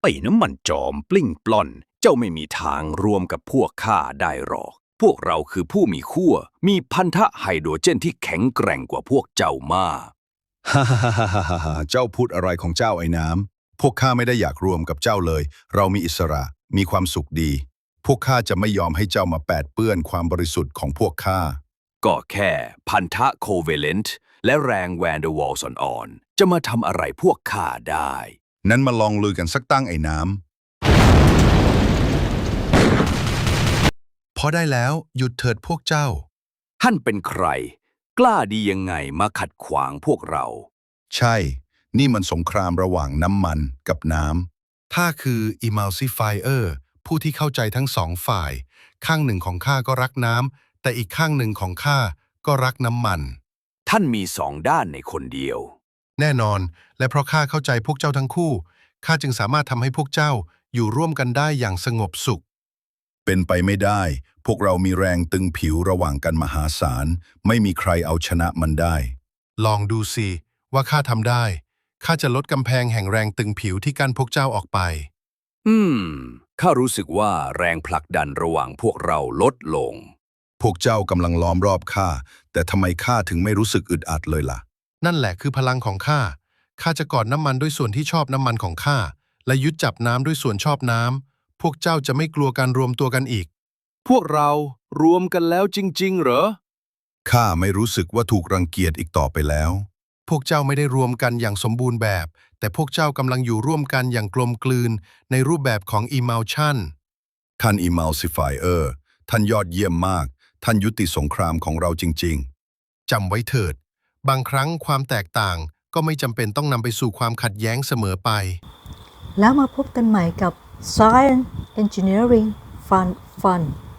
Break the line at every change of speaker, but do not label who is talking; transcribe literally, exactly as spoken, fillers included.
ไอ้น้ำมันจอมปลิ้งปล้อนเจ้าไม่มีทางรวมกับพวกข้าได้หรอกพวกเราคือผู้มีขั้วมีพันธะไฮโดรเจนที่แข็งแกร่งกว่าพวกเจ้ามาก
ฮ่าฮ่าฮ่าฮ่าฮ่าเจ้าพูดอะไรของเจ้าไอ้น้ำพวกข้าไม่ได้อยากรวมกับเจ้าเลย เรามีอิสระ มีความสุขดี พวกข้าจะไม่ยอมให้เจ้ามาแปดเปื้อนความบริสุทธิ์ของพวกข้า
ก็แค่พันธะโคเวเลนต์และแรงแวนเดอร์วอลส์อ่อนๆจะมาทำอะไรพวกข้าได้
นั้นมาลองลือกันสักตั้งไอ้น้ำพอได้แล้วหยุดเถิดพวกเจ้า
ท่านเป็นใคร กล้าดียังไงมาขัดขวางพวกเรา
ใช่ นี่มันสงครามระหว่างน้ำมันกับน้ำข้าคือ Emulsifier ผู้ที่เข้าใจทั้งสองฝ่าย ข้างหนึ่งของข้าก็รักน้ำ แต่อีกข้างหนึ่งของข้าก็รักน้ำมัน
ท่านมีสองด้านในคนเดียว
แน่นอน และเพราะข้าเข้าใจพวกเจ้าทั้งคู่ ข้าจึงสามารถทำให้พวกเจ้าอยู่ร่วมกันได้อย่างสงบสุข เป็นไปไม่ได้ พวกเรามีแรงตึงผิวระหว่างกันมหาศาล ไม่มีใครเอาชนะมันได้ ลองดูสิว่าข้าทำได้ ข้าจะลดกำแพงแห่งแรงตึงผิวที่กั้นพวกเจ้าออกไป
อืม ข้ารู้สึกว่าแรงผลักดันระหว่างพวกเราลดลง
พวกเจ้ากำลังล้อมรอบข้า แต่ทำไมข้าถึงไม่รู้สึกอึดอัดเลยล่ะ นั่นแหละคือพลังของข้า ข้าจะกอดน้ำมันด้วยส่วนที่ชอบน้ำมันของข้า และยึดจับน้ำด้วยส่วนชอบน้ำ พวกเจ้าจะไม่กลัวการรวมตัวกันอีก
พวกเรารวมกันแล้วจริงๆเหรอ
ข้าไม่รู้สึกว่าถูกรังเกียจอีกต่อไปแล้ว พวกเจ้าไม่ได้รวมกันอย่างสมบูรณ์แบบ แต่พวกเจ้ากำลังอยู่ร่วมกันอย่างกลมกลืนในรูปแบบของ Emulsion ท่าน Emulsifier ท่านยอดเยี่ยมมาก ท่านยุติสงครามของเราจริงๆ จำไว้เถิด บางครั้งความแตกต่างก็ไม่จำเป็นต้องนำไปสู่ความขัดแย้งเสมอไป
แล้วมาพบกันใหม่กับ Science Engineering Fun Fun